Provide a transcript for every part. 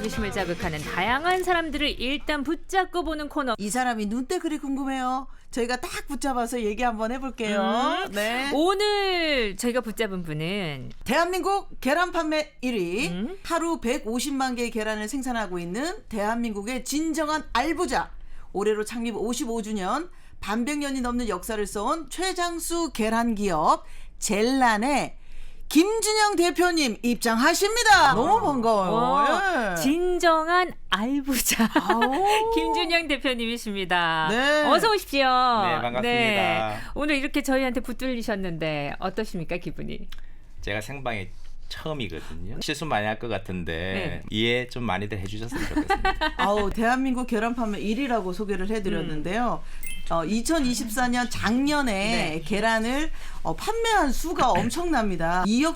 자부심을 자극하는 다양한 사람들을 일단 붙잡고 보는 코너. 이 사람이 눈때그리 궁금해요. 저희가 딱 붙잡아서 얘기 한번 해볼게요. 네. 오늘 저희가 붙잡은 분은 대한민국 계란 판매 1위, 하루 150만 개의 계란을 생산하고 있는 대한민국의 진정한 알부자, 올해로 창립 55주년, 반백년이 넘는 역사를 써온 최장수 계란 기업 젤란의 김준영 대표님 입장하십니다. 너무 반가워요. 예. 진정한 알부자 김준영 대표님이십니다. 네. 어서 오십시오. 네, 반갑습니다. 네. 오늘 이렇게 저희한테 붙들리셨는데 어떠십니까, 기분이? 제가 생방에 처음이거든요. 실수 많이 할 것 같은데 네. 이해 좀 많이들 해주셨으면 좋겠습니다. 아우, 대한민국 계란 판매 1위라고 소개를 해드렸는데요. 2024년 작년에 네. 계란을 판매한 수가 엄청납니다. 2억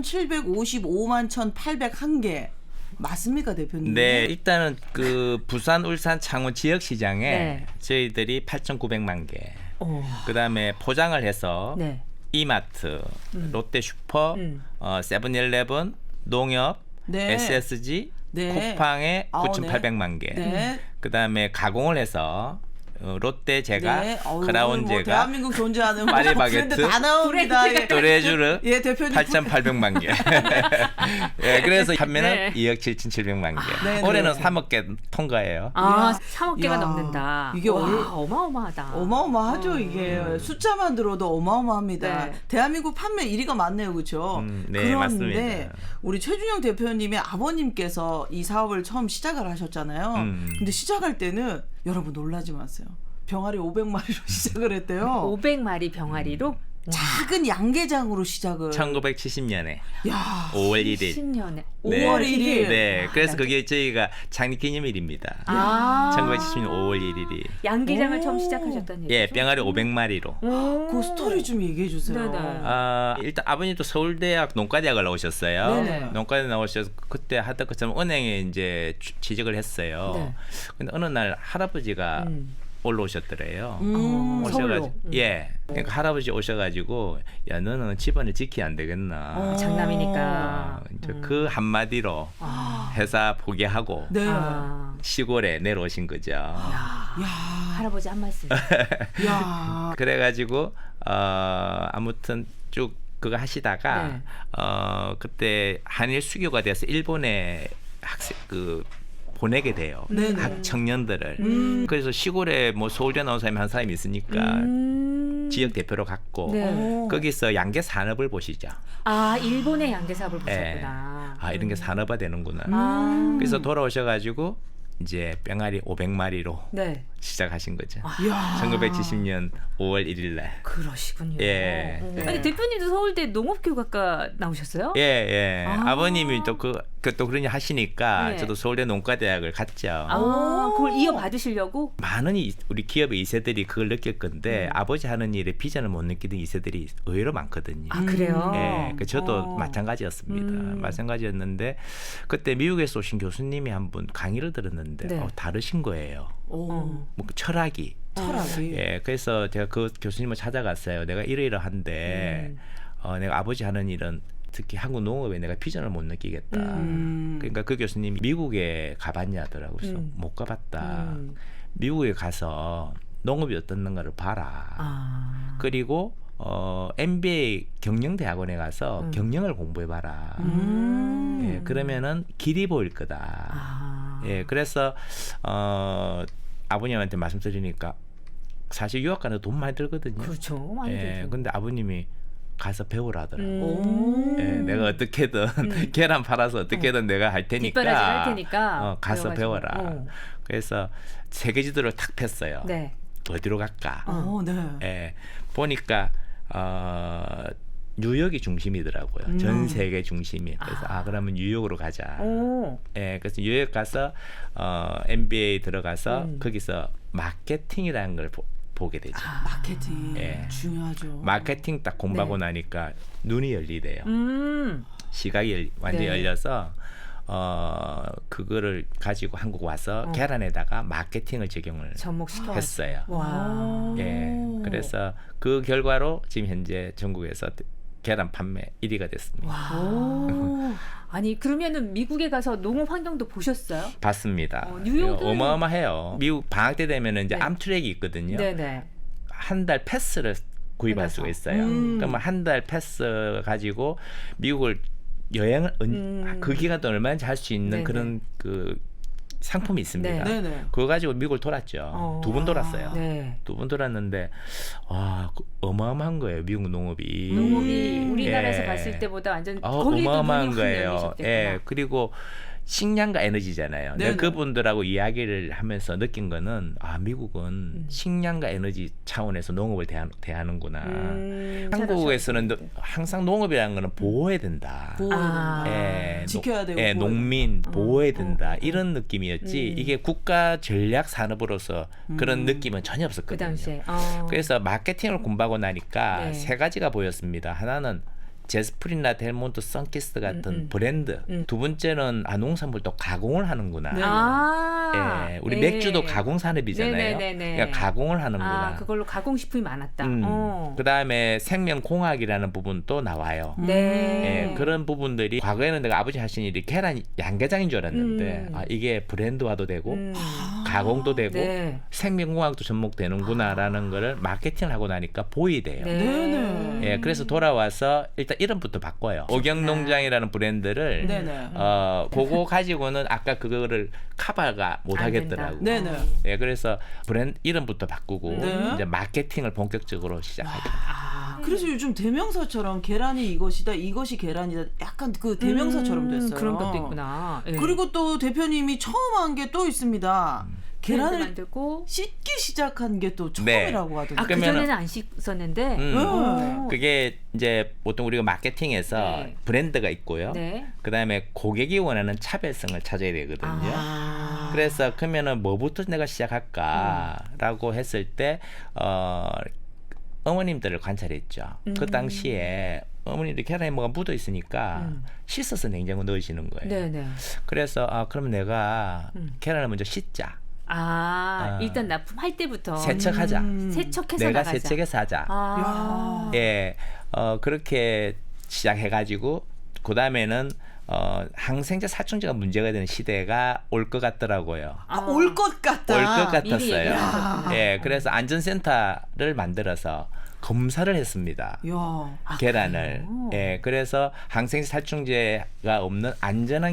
7,755만 1,801개. 맞습니까, 대표님? 네, 일단은 그 부산, 울산, 창원 지역 시장에 네. 저희들이 8,900만 개. 오. 그다음에 포장을 해서 네. 이마트, 롯데슈퍼, 세븐일레븐, 농협, 네. SSG, 네. 쿠팡에 아우, 9,800만 개. 네. 그다음에 가공을 해서 롯데 제가, 네. 어우, 크라운 뭐 제가, 대한민국 존재하는 파리바게트, 브랜드 다 나옵니다. 예. 또레쥬르 예, 대표님. 8,800만 개. 예, 그래서 판매는 네. 2억 7,700만 개. 네, 올해는 네. 3억 개 통과해요. 아, 이야. 3억 개가 이야. 넘는다. 이게 와, 얼- 어마어마하다. 어마어마하죠, 이게. 숫자만 들어도 어마어마합니다. 네. 대한민국 판매 1위가 맞네요, 그렇죠? 네, 그런데 맞습니다. 우리 최준영 대표님의 아버님께서 이 사업을 처음 시작을 하셨잖아요. 근데 시작할 때는 여러분 놀라지 마세요. 병아리 500마리로 시작을 했대요. 500마리 병아리로 작은 양계장으로 시작을. 1970년에 야, 5월 1일. 10년에 네. 5월 1일. 네, 그래서 그게 저희가 창립 기념일입니다. 아. 1970년 5월 1일이. 양계장을 오. 처음 시작하셨다는 얘기죠? 예, 병아리 500마리로. 그 스토리 좀 얘기해 주세요. 네네. 일단 아버님도 서울대학 농과대학을 나오셨어요. 네네. 농과대 나오셔서 그때 하던 것처럼 은행에 이제 취직을 했어요. 네. 근데 어느 날 할아버지가 올라오셨더래요. 서울로. 오셔가지고 예, 그러니까 할아버지 오셔가지고 야 너는 집안을 지켜야 안 되겠나. 장남이니까. 이제 그 한마디로 회사 포기하고 네. 아, 시골에 내려오신 거죠. 야, 할아버지 한 말씀. 야. 그래가지고 아무튼 쭉 그거 하시다가 네. 그때 한일 수교가 돼서 일본에 학생 보내게 돼요. 네네. 학 청년들을. 그래서 시골에 뭐 서울대 나온 사람이 한 사람이 있으니까 지역 대표로 갔고 네. 거기서 양계 산업을 보시죠. 아, 일본의 양계 사업을 예. 보셨구나. 아 이런 게 산업화 되는구나. 아. 그래서 돌아오셔가지고 이제 병아리 500마리로 네. 시작하신 거죠. 야. 1970년 5월 1일 날. 그러시군요. 예. 아니, 대표님도 서울대 농업교과과 나오셨어요? 예, 예. 아. 아버님이 또 또 그런 일 하시니까 네. 저도 서울대 농과대학을 갔죠. 아, 그걸 이어받으시려고? 많은 우리 기업의 2세들이 그걸 느낄 건데 아버지 하는 일에 비전을 못 느끼던 2세들이 의외로 많거든요. 아, 그래요? 예, 저도 어. 마찬가지였습니다. 마찬가지였는데 그때 미국에서 오신 교수님이 한 분 강의를 들었는데 네. 다르신 거예요. 오. 뭐 철학이. 철학이. 예, 그래서 제가 그 교수님을 찾아갔어요. 내가 이러이러한데 내가 아버지 하는 일은 특히 한국 농업에 내가 비전을 못 느끼겠다. 그러니까 그 교수님이 미국에 가봤냐 하더라고요. 그래서 못 가봤다. 미국에 가서 농업이 어떻는가를 봐라. 아. 그리고 MBA 경영대학원에 가서 경영을 공부해봐라. 예, 그러면은 길이 보일 거다. 아. 예, 그래서 아버님한테 말씀드리니까 사실 유학 가는 돈 많이 들거든요. 그렇죠. 많이 예, 들죠. 근데 아버님이 가서 배우라 하더라고요. 오. 예, 내가 어떻게든 계란 팔아서 어떻게든 내가 할 테니까, 뒷바라지 할 테니까 가서 배워가지고. 배워라. 어. 그래서 세계 지도를 탁 폈어요. 네. 어디로 갈까? 네. 예, 보니까 뉴욕이 중심이더라고요. 전 세계 중심이. 그래서 그러면 뉴욕으로 가자. 오. 예, 그래서 뉴욕 가서 MBA 들어가서 거기서 마케팅이라는 걸 보게 되죠. 마케팅 예. 중요하죠. 마케팅 딱 공부하고 네. 나니까 눈이 열리대요. 시각이 완전히 네. 열려서 그거를 가지고 한국 와서 계란에다가 마케팅을 적용을 접목시켜 했어요. 와. 예, 그래서 그 결과로 지금 현재 전국에서 계란 판매 1위가 됐습니다. 오. 아니 그러면은 미국에 가서 농업 환경도 보셨어요? 봤습니다. 뉴욕은 어마어마해요. 미국 방학 때 되면은 이제 네. 암트랙이 있거든요. 네네. 한 달 패스를 구입할 해놔서. 수가 있어요. 그러면 한 달 패스 가지고 미국을 여행을 그 기간 동안 얼마든지 할 수 있는 네네. 그런 그 상품이 있습니다. 네. 네네. 그거 가지고 미국을 돌았죠. 2번 돌았어요. 네. 2번 돌았는데 와 어마어마한 거예요. 미국 농업이. 농업이 우리나라에서 예. 봤을 때보다 완전 거기도 어마어마한 눈이 확 거예요. 열리셨겠구나. 예. 그리고 식량과 에너지잖아요. 네네. 내가 그분들하고 이야기를 하면서 느낀 거는 식량은 식량과 에너지 차원에서 농업을 대하는구나. 한국에서는 항상 농업이라는 거는 보호해야 된다. 보호해야 된다. 예, 지켜야 되고 예, 보호해야 농민 보호해야 된다. 이런 느낌이었지. 이게 국가 전략 산업으로서 그런 느낌은 전혀 그 없었거든요. 당시에. 그래서 마케팅을 공부하고 나니까 네. 3가지가 보였습니다. 하나는 제스프린이나 델몬트, 선키스 같은 브랜드. 두 번째는 농산물도 가공을 하는구나. 아. 예, 우리 네. 맥주도 가공 산업이잖아요. 네네네네. 그러니까 가공을 하는구나. 그걸로 가공식품이 많았다. 그다음에 생명공학이라는 부분도 나와요. 네. 예, 그런 부분들이 과거에는 내가 아버지 하신 일이 계란 양계장인 줄 알았는데 이게 브랜드화도 되고 가공도 되고 네. 생명공학도 접목되는구나라는 거를 마케팅을 하고 나니까 보이대요. 네네. 예, 그래서 돌아와서 일단 이름부터 바꿔요. 오경농장이라는 브랜드를 네네. 그거 가지고는 아까 그거를 커버가 못 안 하겠더라고. 된다. 네네. 예, 그래서 브랜드 이름부터 바꾸고 네. 이제 마케팅을 본격적으로 시작하죠. 그래서 요즘 대명사처럼 계란이 이것이다, 이것이 계란이다, 약간 그 대명사처럼 됐어요. 그런 것도 있구나. 예. 그리고 또 대표님이 처음 한 게 또 있습니다. 계란을 계란을 만들고 씻기 시작한 게 또 네. 처음이라고 하던데. 그 전에는 안 씻었는데. 그게 이제 보통 우리가 마케팅에서 네. 브랜드가 있고요. 네. 그다음에 고객이 원하는 차별성을 찾아야 되거든요. 그래서 그러면은 뭐부터 내가 시작할까라고 했을 때 어머님들을 관찰했죠. 그 당시에 어머니들 계란에 뭐가 묻어 있으니까 씻어서 냉장고 넣으시는 거예요. 네네. 그래서 그럼 내가 계란을 먼저 씻자. 일단 납품할 때부터 세척하자. 세척해서 내가 나가자. 세척해서 하자. 아. 예, 그렇게 시작해가지고 그 다음에는 항생제 살충제가 문제가 되는 시대가 올 것 같더라고요. 올 것 같다. 올 것 미리 같았어요. 얘기하셨구나. 예, 그래서 안전센터를 만들어서 검사를 했습니다. 야. 계란을. 예, 그래서 항생제 살충제가 없는 안전한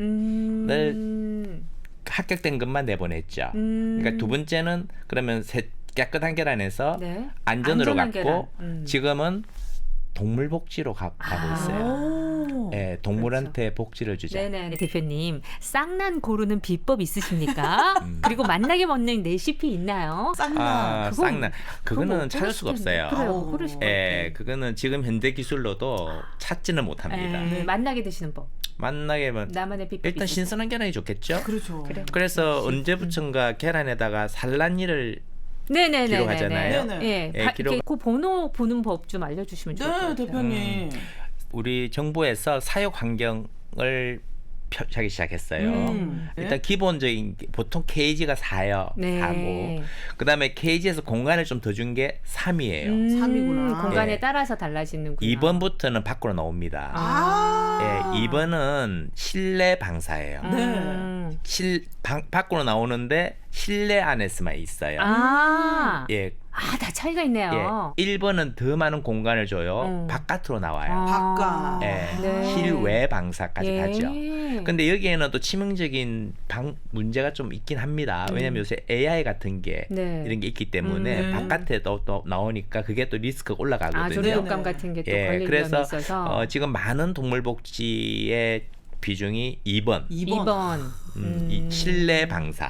계란을 합격된 것만 내보냈죠. 그러니까 두 번째는 그러면 깨끗한 계란에서 네. 안전으로 안전한 갔고 계란. 지금은 동물 복지로 가고 있어요. 예, 동물한테 복지를 주자. 네네. 대표님, 쌍난 고르는 비법 있으십니까? 그리고 만나게 먹는 레시피 있나요? 쌍나. 그건- 쌍난. 그거는 찾을 수가 없어요. 그래요. 그러실 것 예, 같아요. 그거는 지금 현대 기술로도 찾지는 못합니다. 만나게 드시는 법. 만나게 하면 나만의 비법. 일단 신선한 계란이 좋겠죠. 그렇죠. 그래. 그래서 언제부턴가 계란에다가 산란일을 네네네. 기록하잖아요. 네네. 예, 예, 기록- 그 번호 보는 법 좀 알려주시면 좋을 것 네, 같아요. 대표님. 우리 정부에서 사육 환경을 펴기 시작했어요. 일단 네. 기본적인 보통 케이지가 4요. 네. 4고 그다음에 케이지에서 공간을 좀 더 준 게 3이에요. 3이구나. 공간에 예. 따라서 달라지는구나. 2번부터는 밖으로 나옵니다. 예, 2번은 실내 방사예요. 네. 밖으로 나오는데 실내 안에서만 있어요. 예. 다 차이가 있네요. 예. 1번은 더 많은 공간을 줘요. 바깥으로 나와요. 바깥. 예. 네. 실외 방사까지 예. 가죠. 근데 여기에는 또 치명적인 문제가 좀 있긴 합니다. 왜냐하면 요새 AI 같은 게 네. 이런 게 있기 때문에 바깥에 또 나오니까 그게 또 리스크가 올라가거든요. 조류독감 같은 게 또 예, 걸릴 그래서 위험이 있어서. 지금 많은 동물복지의 비중이 2번. 2번. 이 실내 방사.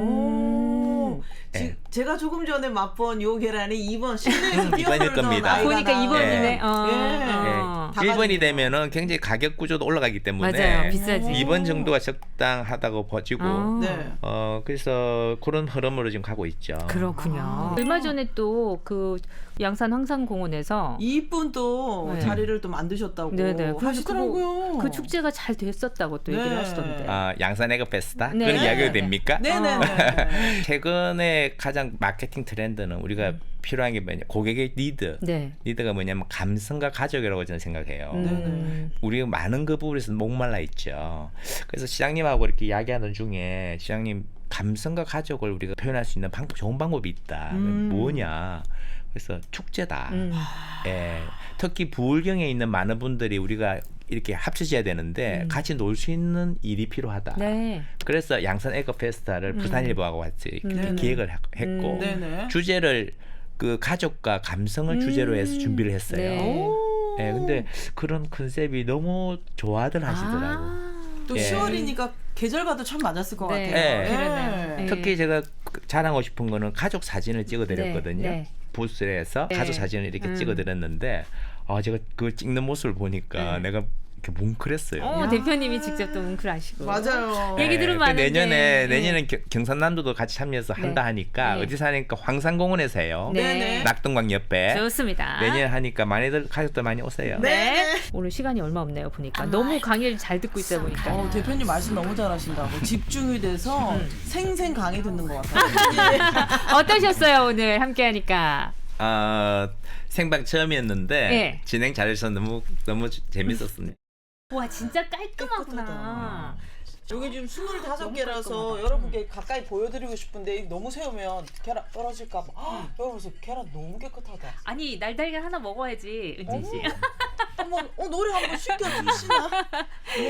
오. 예. 제가 조금 전에 맛본 요 계란이 2번 실내에서 2번일 뛰어놀던 겁니다. 아이가 보니까 나온- 2번이네. 예. 다 1번이 가지고. 되면은 굉장히 가격 구조도 올라가기 때문에 맞아요. 비싸지. 2번 정도가 적당하다고 봐지고 네. 그래서 그런 흐름으로 지금 가고 있죠. 그렇군요. 얼마 전에 또 그 양산 황산공원에서 이쁜 또 네. 자리를 또 만드셨다고 네네. 그래서 하시더라고요. 그 축제가 잘 됐었다고 또 얘기를 네. 하시던데. 양산 에그 페스타 네. 그런 이야기가 됩니까? 네네네. 최근에 가장 마케팅 트렌드는 우리가 필요한 게 뭐냐 고객의 니드. 네. 니드가 뭐냐면 감성과 가족이라고 저는 생각해요. 우리가 많은 그 부분에서 목말라 있죠. 그래서 시장님하고 이렇게 이야기하는 중에 시장님 감성과 가족을 우리가 표현할 수 있는 좋은 방법이 있다. 뭐냐? 그래서 축제다. 예, 특히 부울경에 있는 많은 분들이 우리가 이렇게 합쳐져야 되는데 같이 놀 수 있는 일이 필요하다. 네. 그래서 양산 에co 페스타를 부산일보하고 같이 네네. 기획을 했고 네네. 주제를 그 가족과 감성을 주제로 해서 준비를 했어요. 네. 예, 근데 그런 컨셉이 너무 좋아들 하시더라고. 또 예. 10월이니까 계절과도 참 맞았을 것 네. 같아요. 예. 그러네요. 네. 특히 제가 자랑하고 싶은 거는 가족 사진을 찍어드렸거든요. 네, 네. 부스에서 네. 가족 사진을 이렇게 찍어드렸는데 제가 그걸 찍는 모습을 보니까 내가 이렇게 뭉클했어요. 대표님이 직접 또 뭉클하시고. 맞아요. 얘기 들으면 그 많은데. 내년엔 경상남도도 같이 참여해서 한다 하니까 네. 어디서 하니까 황산공원에서 해요. 네네. 낙동강 옆에. 좋습니다. 내년 하니까 많이들 가족들 많이 오세요. 네. 오늘 시간이 얼마 없네요, 보니까. 너무 강의를 잘 듣고 있다 보니까. 대표님 말씀 너무 잘하신다고 집중이 돼서 생생 강의 듣는 것 같아요. 어떠셨어요, 오늘 함께 하니까? 생방 처음이었는데 네. 진행 잘해서 너무 재밌었습니다. 와, 진짜 깔끔하구나. 여기 지금 25개라서 여러분께 가까이 보여드리고 싶은데 너무 세우면 계란 떨어질까 봐. 여러분 계란 너무 깨끗하다. 아니, 날달걀 하나 먹어야지, 은진 씨. 한번 노래 한번 시켜주시나?